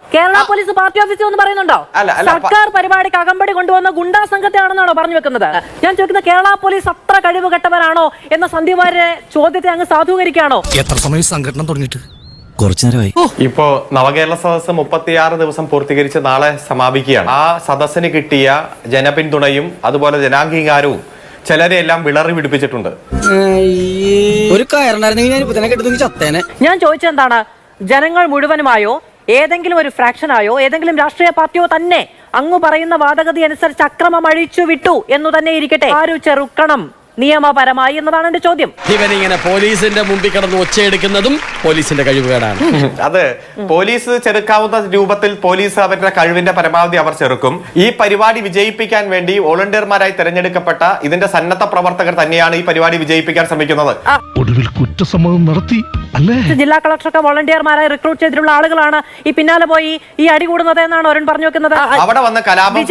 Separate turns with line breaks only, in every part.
Kerala police party ഓഫീസിൽ എന്ന് പറയുന്നുണ്ടോ? സർക്കാർ പരിപാടിക്ക് അകമ്പടി കൊണ്ടുവന്ന ഗുണ്ടാ സംഘത്തെയാണെന്നാണോ പറഞ്ഞു വെക്കുന്നത്? ഞാൻ ചോദിക്കുന്നത് കേരള പോലീസ് അത്ര കഴിവ് കെട്ടവരാണോ എന്ന സന്ദീപ് വാര്യരുടെ ചോദ്യത്തെ അങ്ങ് സാധൂകരിക്കുകയാണോ?
എത്ര സമയം സംഘടന തുടങ്ങിയിട്ട്? കുറച്ചു നേരമായി.
ഇപ്പോ നവകേരള സദസ്സ് 36 ദിവസം പൂർത്തീകരിച്ച് നാളെ സമാപിക്കുകയാണ്. ആ സദസ്സിന് കിട്ടിയ ജനപിന്തുണയും അതുപോലെ ജനാംഗീകാരവും ചിലരെല്ലാം വിളറി പിടിപ്പിച്ചിട്ടുണ്ട്.
ഞാൻ ചോദിച്ചെന്താണ്, ജനങ്ങൾ മുഴുവനുമായോ ഏതെങ്കിലും ഒരു ഫ്രാക്ഷനായോ ഏതെങ്കിലും രാഷ്ട്രീയ പാർട്ടിയോ തന്നെ അങ്ങ് പറയുന്ന വാദഗതി അനുസരിച്ച് അക്രമം അഴിച്ചു വിട്ടു എന്നു തന്നെ ഇരിക്കട്ടെ, ആരു ചെറുക്കണം നിയമപരമായി എന്നതാണ് എന്റെ ചോദ്യം.
ഇവനിങ്ങനെ പോലീസിന്റെ മുമ്പിൽ കിടന്ന് ഒച്ചയെടുക്കുന്നതും പോലീസിന്റെ കഴിവുകേടാണ്.
അത് പോലീസ് ചെറുക്കാവുന്ന രൂപത്തിൽ പോലീസ് അവരുടെ കഴിവിന്റെ പരമാവധി അവർ ചെറുക്കും. ഈ പരിപാടി വിജയിപ്പിക്കാൻ വേണ്ടി വോളണ്ടിയർമാരായി തെരഞ്ഞെടുക്കപ്പെട്ട ഇതിന്റെ സന്നദ്ധ പ്രവർത്തകർ തന്നെയാണ് ഈ പരിപാടി വിജയിപ്പിക്കാൻ ശ്രമിക്കുന്നത്.
ഒടുവിൽ കുറ്റസമ്മതം നടത്തി അല്ലേ?
ജില്ലാ കളക്ടറൊക്കെ വോളണ്ടിയർമാരായി റിക്രൂട്ട് ചെയ്തിട്ടുള്ള ആളുകളാണ് ഈ പിന്നാലെ പോയി ഈ അടി കൂടുന്നത് എന്നാണ് അരുൺ പറഞ്ഞു വെക്കുന്നത്.
അവിടെ വന്ന് കലാപം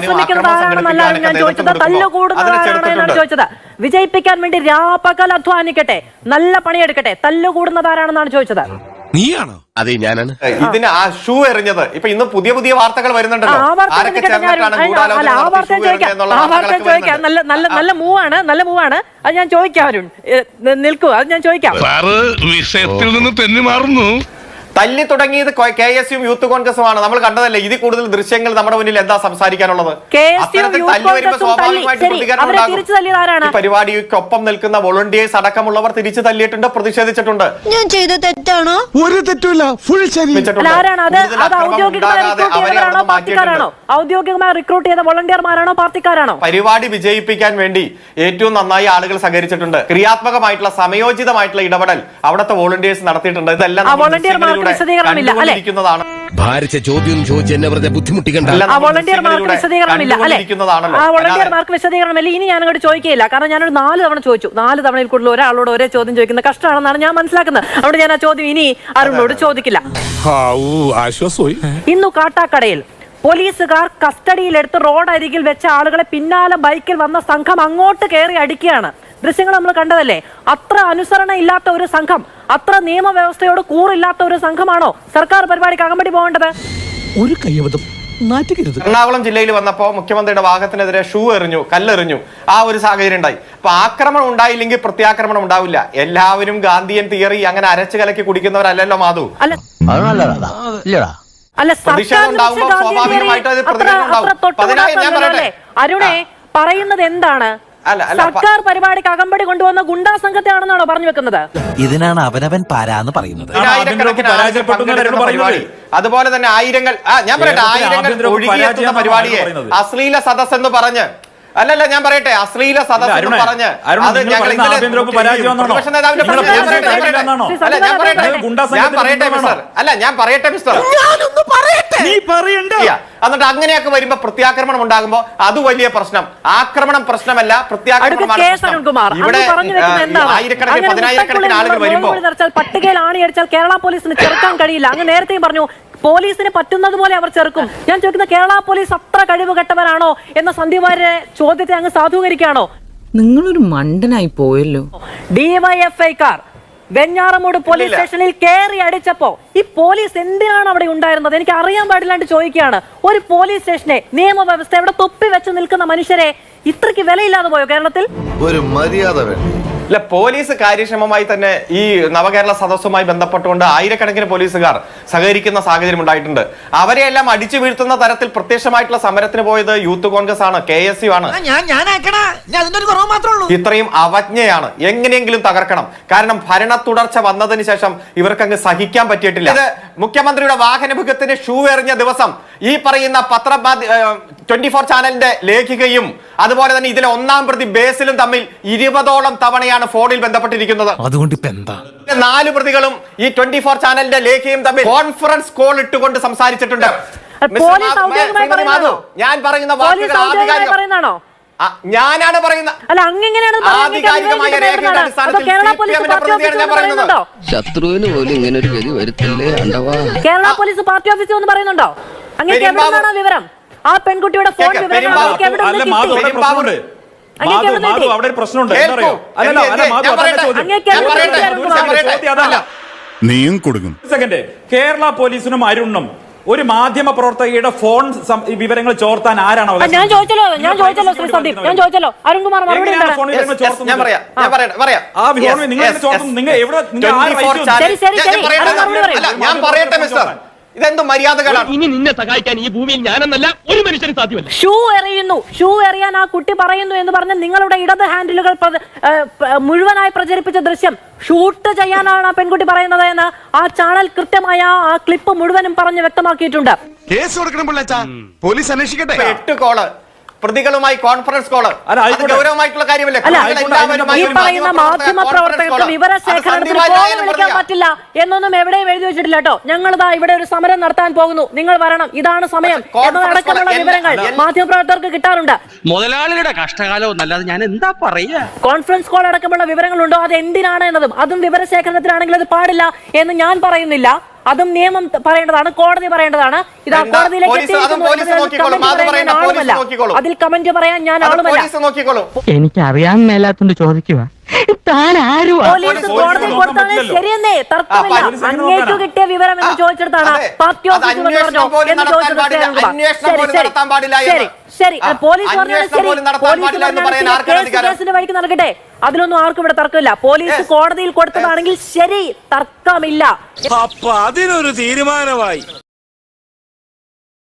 ചോദിച്ചത് വിജയിപ്പിക്കാൻ വേണ്ടി രാപ്പകൽ അധ്വാനിക്കട്ടെ, നല്ല പണിയെടുക്കട്ടെ, തല്ലുകൂടുന്നതാരാണെന്നാണ് ചോദിച്ചത്.
നീയാണോ? അതെ, ഞാനാണ്.
ഇതിന് ആ ഷൂ എറിഞ്ഞത് ഇപ്പൊ ഇന്ന് പുതിയ പുതിയ വാർത്തകൾ വരുന്നുണ്ടല്ലോ.
നല്ല മൂവാണ്. അത് ഞാൻ ചോദിക്കാം അരുൺ, നിൽക്കൂ, അത് ഞാൻ ചോദിക്കാം.
വിഷയത്തിൽ നിന്ന് തെന്നി മാറുന്നു.
തല്ലി തുടങ്ങിയത് KSU യൂത്ത് കോൺഗ്രസുമാണ്. നമ്മൾ കണ്ടതല്ലേ. ഇതിൽ കൂടുതൽ ദൃശ്യങ്ങൾ നമ്മുടെ മുന്നിൽ എന്താ സംസാരിക്കാനുള്ളത്? പരിപാടിക്കൊപ്പം നിൽക്കുന്ന വോളണ്ടിയേഴ്സ് അടക്കമുള്ളവർ തിരിച്ചു തല്ലിയിട്ടുണ്ട്, പ്രതിഷേധിച്ചിട്ടുണ്ട്.
ഞാൻ ചെയ്ത തെറ്റാണോ?
ഒരു തെറ്റുമില്ല, ഫുൾ ശരി.
ഔദ്യോഗികമായി റിക്രൂട്ട് ചെയ്ത വോളണ്ടിയർമാരാണോ പാർട്ടിക്കാരാണോ?
പരിപാടി വിജയിപ്പിക്കാൻ വേണ്ടി ഏറ്റവും നന്നായി ആളുകൾ സഹകരിച്ചിട്ടുണ്ട്. ക്രിയാത്മകമായിട്ടുള്ള സമയോചിതമായിട്ടുള്ള ഇടപെടൽ അവിടുത്തെ വോളണ്ടിയേഴ്സ് നടത്തിയിട്ടുണ്ട്. ഇതെല്ലാം
ഭാരിച്ച ചോദ്യം ചോദിച്ച് എന്നെ വെറുതെ ബുദ്ധിമുട്ടിക്കണ്ട.
വോളണ്ടിയർമാർക്ക് വിശദീകരണമില്ല. ഇനി ഞാൻ അങ്ങോട്ട് ചോദിക്കുകയില്ല, കാരണം ഞാനൊരു 4 തവണ ചോദിച്ചു. 4 തവണയിൽ കൂടുതൽ ഒരാളോട് ഒരേ ചോദ്യം ചോദിക്കുന്ന കഷ്ടമാണെന്നാണ് ഞാൻ മനസ്സിലാക്കുന്നത്. അതുകൊണ്ട് ഞാൻ ആ ചോദ്യം ഇനി അരുണിനോട് ചോദിക്കില്ല. ഇന്നു കാട്ടാക്കടയിൽ പോലീസുകാർ കസ്റ്റഡിയിലെടുത്ത് റോഡരികിൽ വെച്ച ആളുകളെ പിന്നാലെ ബൈക്കിൽ വന്ന സംഘം അങ്ങോട്ട് കയറി അടിക്കുകയാണ്. ദൃശ്യങ്ങൾ നമ്മൾ കണ്ടതല്ലേ? അത്ര അനുസരണ ഇല്ലാത്ത ഒരു സംഘം, അത്ര നിയമവ്യവസ്ഥയോട് കൂറില്ലാത്ത ഒരു സംഘമാണോ സർക്കാർ പരിപാടിക്ക് അകമ്പടി പോകേണ്ടത്?
ഒരു കയ്യബദ്ധം നാറ്റിക്കരുത്.
എറണാകുളം ജില്ലയിൽ വന്നപ്പോ മുഖ്യമന്ത്രിയുടെ വാഹനത്തിനെതിരെ ഷൂ എറിഞ്ഞു, കല്ലെറിഞ്ഞു, ആ ഒരു സാഹചര്യം ഉണ്ടായി. അപ്പൊ ആക്രമണം ഉണ്ടായില്ലെങ്കിൽ പ്രത്യാക്രമണം ഉണ്ടാവില്ല. എല്ലാവരും ഗാന്ധിയൻ തിയറി അങ്ങനെ അരച്ചു കലക്കി കുടിക്കുന്നവരല്ലല്ലോ മാധു.
അരുണെ പറയുന്നത് എന്താണ്? സർക്കാർ പരിപാടിക്ക് അകമ്പടി കൊണ്ടുവന്ന ഗുണ്ടാ സംഘത്തെയാണെന്നാണോ പറഞ്ഞു വെക്കുന്നത്?
ഇതിനാണ് അവനവൻ പാരാന്ന് പറയുന്നത്.
അതുപോലെ തന്നെ ആയിരങ്ങൾ ഒഴുകിയെത്തുന്ന പരിപാടിയെ അശ്ലീല സദസ് എന്ന് പറഞ്ഞ് അല്ലല്ല ഞാൻ പറയട്ടെ, അശ്ലീല സദസ് എന്ന് പറഞ്ഞ് അത് ഞങ്ങൾ ഞാൻ പറയട്ടെ മിസ്റ്റർ, എന്നിട്ട് അങ്ങനെയൊക്കെ വരുമ്പോ പ്രത്യാക്രമണം ഉണ്ടാകുമ്പോ അത് വലിയ പ്രശ്നം. ആക്രമണം പ്രശ്നമല്ല, പ്രത്യാക്രമണമാണ്. ഇവിടെ ആയിരക്കണക്കിന് 10,000-കണക്കിന് ആളുകൾ വരുമ്പോ
പട്ടികയിൽ ആണിയടിച്ചാൽ കേരള പോലീസിന് ചെറുക്കാൻ കഴിയില്ല. അങ്ങ് നേരത്തെയും പറഞ്ഞു പോലീസിന് പറ്റുന്നത് പോലെ അവർ ചെറുക്കും. ഞാൻ ചോദിക്കുന്ന കേരള പോലീസ് അത്ര കഴിവ് കെട്ടവരാണോ എന്ന സന്ദീപ് വാര്യരുടെ ചോദ്യത്തെ അങ്ങ് സാധൂകരിക്കുകയാണോ?
നിങ്ങളൊരു മണ്ടനായി പോയല്ലോ.
ഡിവൈഎഫ്ഐക്കാർ വെഞ്ഞാറമൂട് പോലീസ് സ്റ്റേഷനിൽ കയറി അടിച്ചപ്പോ ഈ പോലീസ് എന്തിനാണ് അവിടെ ഉണ്ടായിരുന്നത്? എനിക്ക് അറിയാൻ പാടില്ലാണ്ട് ചോദിക്കുകയാണ്. ഒരു പോലീസ് സ്റ്റേഷനെ നിയമവ്യവസ്ഥ ഇവിടെ തൊപ്പി വെച്ച് നിൽക്കുന്ന മനുഷ്യരെ ഇത്രയ്ക്ക് വിലയില്ലാതെ പോയോ കേരളത്തിൽ?
ഒരു മര്യാദ
അല്ല, പോലീസ് കാര്യക്ഷമമായി തന്നെ ഈ നവകേരള സദസ്സുമായി ബന്ധപ്പെട്ടുകൊണ്ട് ആയിരക്കണക്കിന് പോലീസുകാർ സഹകരിക്കുന്ന സാഹചര്യം ഉണ്ടായിട്ടുണ്ട്. അവരെയെല്ലാം അടിച്ചു വീഴ്ത്തുന്ന തരത്തിൽ പ്രത്യക്ഷമായിട്ടുള്ള സമരത്തിന് പോയത് യൂത്ത് കോൺഗ്രസ് ആണ്, KSU ആണ്. ഇത്രയും അവജ്ഞയാണ്. എങ്ങനെയെങ്കിലും തകർക്കണം. കാരണം ഭരണ തുടർച്ച വന്നതിന് ശേഷം ഇവർക്ക് അങ്ങ് സഹിക്കാൻ പറ്റിയിട്ടില്ല. ഇത് മുഖ്യമന്ത്രിയുടെ വാഹനമുഖത്തിന് ഷൂ എറിഞ്ഞ ദിവസം ഈ പറയുന്ന 24 ചാനലിന്റെ ലേഖികയും അതുപോലെ തന്നെ ഇതിലെ 1-ാം പ്രതി ബേസിലും തമ്മിൽ 20ഓളം തവണയാണ് ഫോണിൽ ബന്ധപ്പെട്ടിരിക്കുന്നത്.
അതുകൊണ്ട് ഇപ്പൊ എന്താ?
4 പ്രതികളും ഈ 24 ചാനലിന്റെ ലേഖയും തമ്മിൽ കോൺഫറൻസ് കോൾ ഇട്ടുകൊണ്ട് സംസാരിച്ചിട്ടുണ്ട്. ഞാൻ പറയുന്ന ഞാനാണ് പറയുന്നത്. ആധികാരികമായ രേഖയുടെ അടിസ്ഥാനത്തിൽ
ശത്രുവിന് പോലും ഇങ്ങനെ ഒരു ഗതി വരുത്തല്ലേ.
കേരള പോലീസ് പാർട്ടി ഓഫീസിൽ ഒന്ന് പറയുന്നുണ്ടോ? അങ്ങനെ എവിടെയാണോ വിവരം? ആ പെൺകുട്ടിയുടെ ഫോൺ വിവരം
അവിടെ ഒരു പ്രശ്നമുണ്ട്.
നീയും കൊടുക്കും.
കേരള പോലീസിനും അരുണിനും ഒരു മാധ്യമ പ്രവർത്തകയുടെ ഫോൺ വിവരങ്ങൾ ചോർത്താൻ ആരാണ് അവകാശം?
ഞാൻ ചോദിച്ചല്ലോ ശ്രീ സന്ദീപ്, ഞാൻ ചോദിച്ചല്ലോ. അരുൺകുമാർ മറുപടി
എങ്ങനെയാണ്
എന്താണ്?
ഫോൺ വിവരങ്ങൾ ചോർത്തുന്നത്?
ഞാൻ പറയാം
ആ ഫോൺ നിങ്ങൾ എങ്ങനെ ചോർത്തുന്നു? നിങ്ങൾ എവിടെ നിങ്ങൾ ആര്
24
അയച്ചു?
ചാനൽ-
ശരി,
ഞാൻ പറയട്ടെ,
അത് മറുപടി പറയൂ.
അല്ല, ഞാൻ പറയട്ടെ മിസ്റ്റർ, ഇതെന്ത് മര്യാദകളാണ്?
ഇനി നിന്നെ സഹായിക്കാൻ ഈ ഭൂമിയിൽ ഞാനെന്നല്ല ഒരു മനുഷ്യന് സാധ്യമല്ല.
ഷൂ എറിയാൻ ആ കുട്ടി പറയുന്നു എന്ന് പറഞ്ഞ് നിങ്ങളുടെ ഇടത് ഹാൻഡിലുകൾ മുഴുവനായി പ്രചരിപ്പിച്ച ദൃശ്യം ഷൂട്ട് ചെയ്യാനാണ് ആ പെൺകുട്ടി പറയുന്നത് എന്ന് ആ ചാനൽ കൃത്യമായ ആ ക്ലിപ്പ് മുഴുവനും പറഞ്ഞ് വ്യക്തമാക്കിയിട്ടുണ്ട്.
കേസ് കൊടുക്കണം പിള്ളേച്ചാ, പോലീസ് അന്വേഷിക്കട്ടെ.
8 കോള് പ്രതികളുമായി കോൺഫറൻസ് കോള്,
അല്ല, ആയിക്കോട്ടെ.
ഗൗരവമായിട്ടുള്ള കാര്യമല്ലേ?
അല്ല,
എല്ലാവരുമായി
ഈ
ഒരു
പറയുന്ന മാധ്യമ പ്രവർത്തകർക്ക് വിവരശേഖരണത്തിന് ഫോൺ വിളിക്കാൻ പറ്റില്ല എന്നൊന്നും എവിടെയും എഴുതി വെച്ചിട്ടില്ല കേട്ടോ. ഞങ്ങളിതാ ഇവിടെ ഒരു സമരം നടത്താൻ പോകുന്നു, നിങ്ങൾ വരണം, ഇതാണ് സമയം എന്നതടക്കമുള്ള വിവരങ്ങൾ മാധ്യമപ്രവർത്തകർക്ക് കിട്ടാറുണ്ട്.
മുതലാളിയുടെ കഷ്ടകാലം എന്നല്ലാതെ ഞാൻ എന്താ പറയാ?
കോൺഫറൻസ് കോൾ അടക്കമുള്ള വിവരങ്ങളുണ്ടോ, അത് എന്തിനാണ് എന്നതും അതും വിവരശേഖരണത്തിനാണെങ്കിൽ അത് പാടില്ല എന്ന് ഞാൻ പറയുന്നില്ല. അതും നിയമം പറയേണ്ടതാണ്, കോടതി പറയേണ്ടതാണ്. ഇതാ കോടതിയിലേക്ക് അതിൽ കമന്റ് പറയാൻ ഞാൻ ആളുമല്ല.
എനിക്ക് അറിയാൻ മേലാത്തോണ്ട് ചോദിക്കുക താൻ ആരും
പോലീസ് കോടതി കൊടുത്താണ് ശരിയെന്നേ, തർക്കമില്ല. അങ്ങേക്ക് കിട്ടിയ വിവരം എന്ന് ചോദിച്ചെടുത്താണ് പാർട്ടി ഓഫീസിൽ വന്ന് പറഞ്ഞോ എന്ന് ചോദിച്ചത്. ശരി, പോലീസ് പറഞ്ഞാൽ ശരി, പോലീസ് കേസിന്റെ വഴിക്ക് നടക്കട്ടെ, അതിലൊന്നും ആർക്കും ഇവിടെ തർക്കമില്ല. പോലീസ് കോടതിയിൽ കൊടുത്തതാണെങ്കിൽ ശരി, തർക്കമില്ല.
അപ്പൊ അതിനൊരു തീരുമാനമായി.